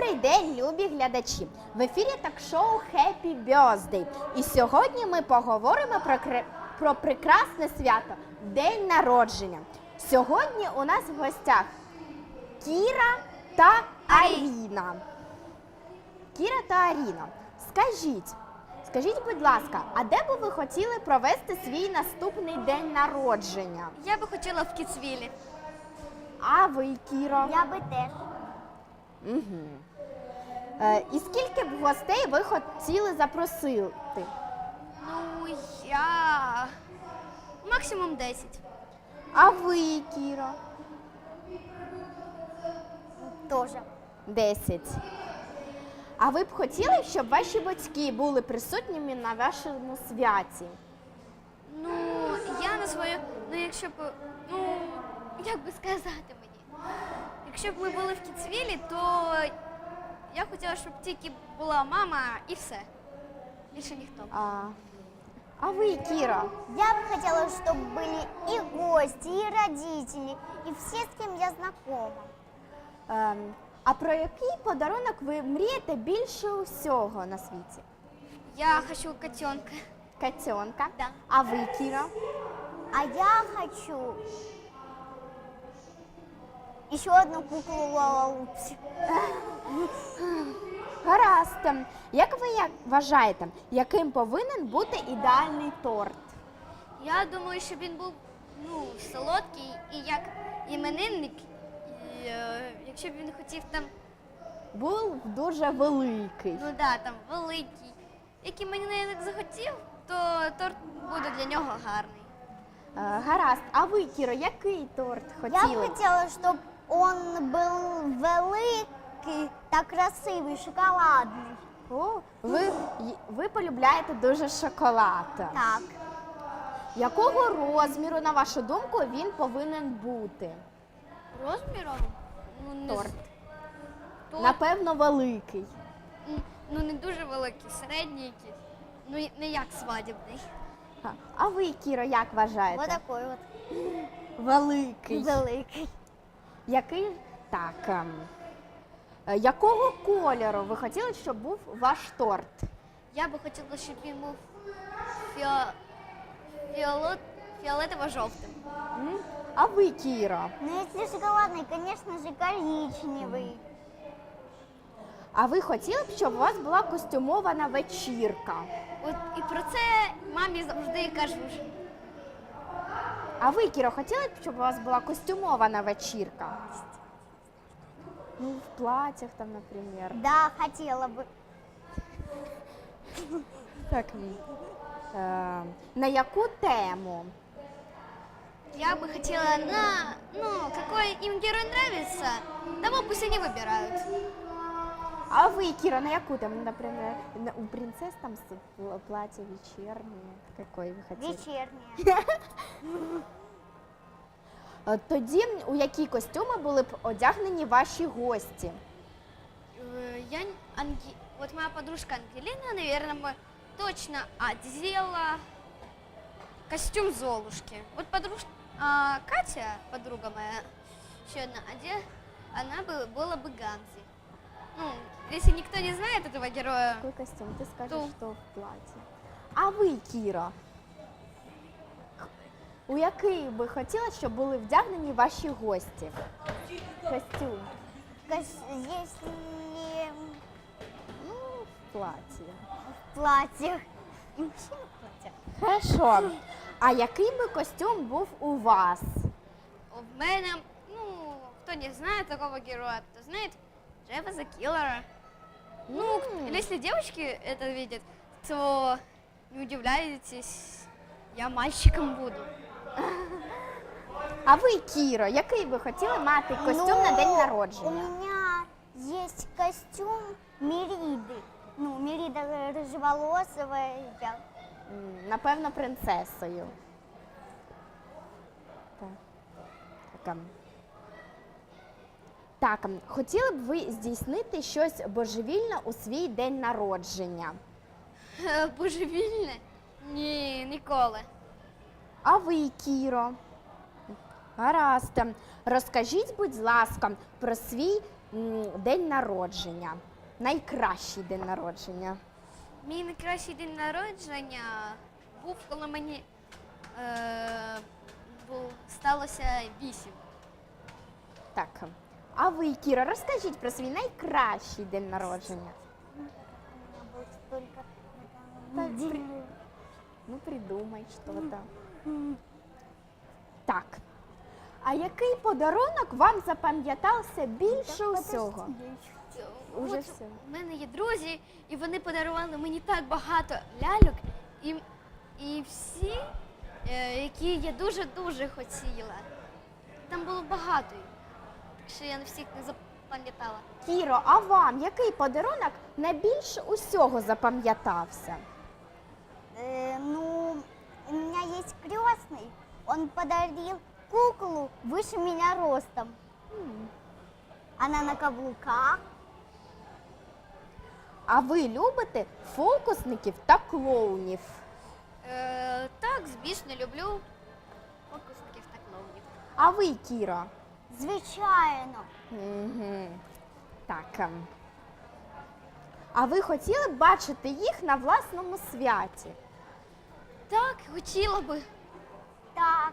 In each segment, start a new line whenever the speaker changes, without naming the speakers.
Добрий день, любі глядачі! В ефірі ток-шоу Happy Birthday. І сьогодні ми поговоримо про прекрасне свято – День народження. Сьогодні у нас в гостях Кіра та Аріна. Кіра та Аріна, скажіть, будь ласка, а де би ви хотіли провести свій наступний день народження?
Я би хотіла в Кіцвілі.
А ви, Кіро?
Я би теж.
Угу. І скільки б гостей ви хотіли запросити?
Ну, я максимум 10.
А ви, Кіро?
Тоже.
10. А ви б хотіли, щоб ваші батьки були присутніми на вашому святі?
Ну, я на свою, якщо б, як би сказати мені, якщо б ми були в Кіцвілі, то я хотіла, щоб тільки була мама і все. Більше ніхто.
А ви, Кіра?
Я бы хотела, чтобы были и гости, и родители, и все, с кем я знакома.
А про який подарунок ви мрієте більше усього на світі?
Я хочу котенка.
Котенка?
Да.
А ви, Кіра?
А я хочу еще одну куклу Лалалупси.
Гаразд. Як ви вважаєте, яким повинен бути ідеальний торт?
Я думаю, щоб він був солодкий і як іменинник, і, якщо б він хотів там,
Був дуже великий.
там великий, як іменинник захотів, то торт буде для нього гарний.
Гаразд. А ви, Кіро, який торт
Я
хотіли?
бы хотела, чтобы он был великий та красивий, шоколадний.
О, ви полюбляєте дуже шоколад.
Так.
Якого розміру, на вашу думку, він повинен бути?
Розміром?
Торт.
Торт,
Напевно, великий.
не дуже великий, середній якийсь. Не як свадібний.
А ви, Кіро, як вважаєте?
Вот такой вот.
Великий.
Великий.
Який? Так. Якого кольору ви хотіли, щоб був ваш торт?
Я би хотіла, щоб він був фіолетово-жовтим.
А ви, Кіро?
Но если шоколадный, конечно же, коричневый.
А ви хотіли б, щоб у вас була костюмована вечірка?
От і про це мамі завжди кажу.
А ви, Кіро, хотіли б, щоб у вас була костюмована вечірка? В платьях там, наприклад.
Да, хотела бы.
Так. На яку тему?
Я бы хотела какой им герой нравится, того пусть они выбирают.
А ви, Кіра, на яку тему? Наприклад, у принцесс там платье вечернее. Какой ви хотіли?
Вечерняя.
Тоді у які костюми були б одягнені ваші гості?
Вот моя подружка Ангелина, наверное, бы точно одела костюм Золушки. Вот Катя, подруга моя, еще одна, она была бы Ганзи. Если никто не знает этого героя.
Какой костюм? Ти скажеш, що в платі. А ви, Кіра? У який би хотіли, щоб були вдягнені ваші гості? Костюм.
Если
В платі.
в платьях. Вообще в платьях.
Хорошо. А який би костюм був у вас?
В мене, кто не знает такого героя, кто знает Джеффа the Киллера. Если девочки это видят, то не удивляйтесь, я мальчиком буду.
А ви, Кіро, який би хотіли мати костюм на день
У
народження?
меня есть костюм Мериды. Мерида рыжеволосая.
Напевно, принцесою. Так, хотіли б ви здійснити щось божевільне у свій день народження?
Божевільне? Ні, ніколи.
А ви, Кіро? Гаразд. Розкажіть, будь ласка, про свій день народження? Найкращий день народження.
Мій найкращий день народження був, коли мені сталося 8.
Так. А ви, Кіра, розкажіть про свій найкращий день народження.
У меня был столько
Так,
день.
Ну, придумай щось. Так. А який подарунок вам запам'ятався більше усього? Уже
От
все.
у мене є друзі, і вони подарували мені так багато ляльок, і всі, які я дуже-дуже хотіла. Там було багато їх, так що я на всіх не запам'ятала.
Кіро, а вам який подарунок найбільше усього запам'ятався?
Ну, у меня есть крестный. Он подарил куклу выше меня ростом. Она на каблуках.
А ви любите фокусників та клоунів?
Так, звісно, люблю фокусників та клоунів.
А ви, Кіро?
Звичайно.
Угу. Так. А ви хотіли б бачити їх на власному святі?
Так, хотіла би.
Так.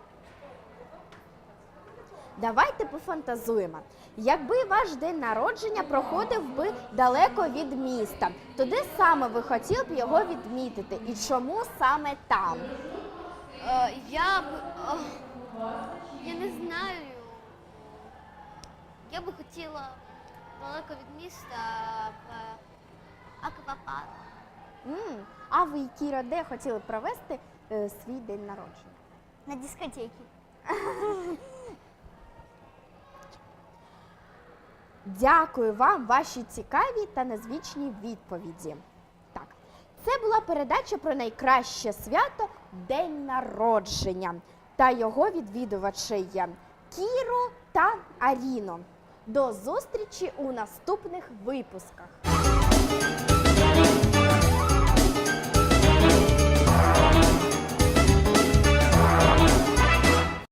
Давайте пофантазуємо. Якби ваш день народження проходив би далеко від міста, то де саме ви хотіли б його відмітити і чому саме там?
Я не знаю. Я би хотіла далеко від міста в аквапарк.
А ви, Кіра, де хотіли б провести свій день народження?
На дискотеке.
Дякую вам, ваші цікаві та незвичні відповіді. Так, це була передача про найкраще свято День народження та його відвідувачі Кіру та Аріну. До зустрічі у наступних випусках.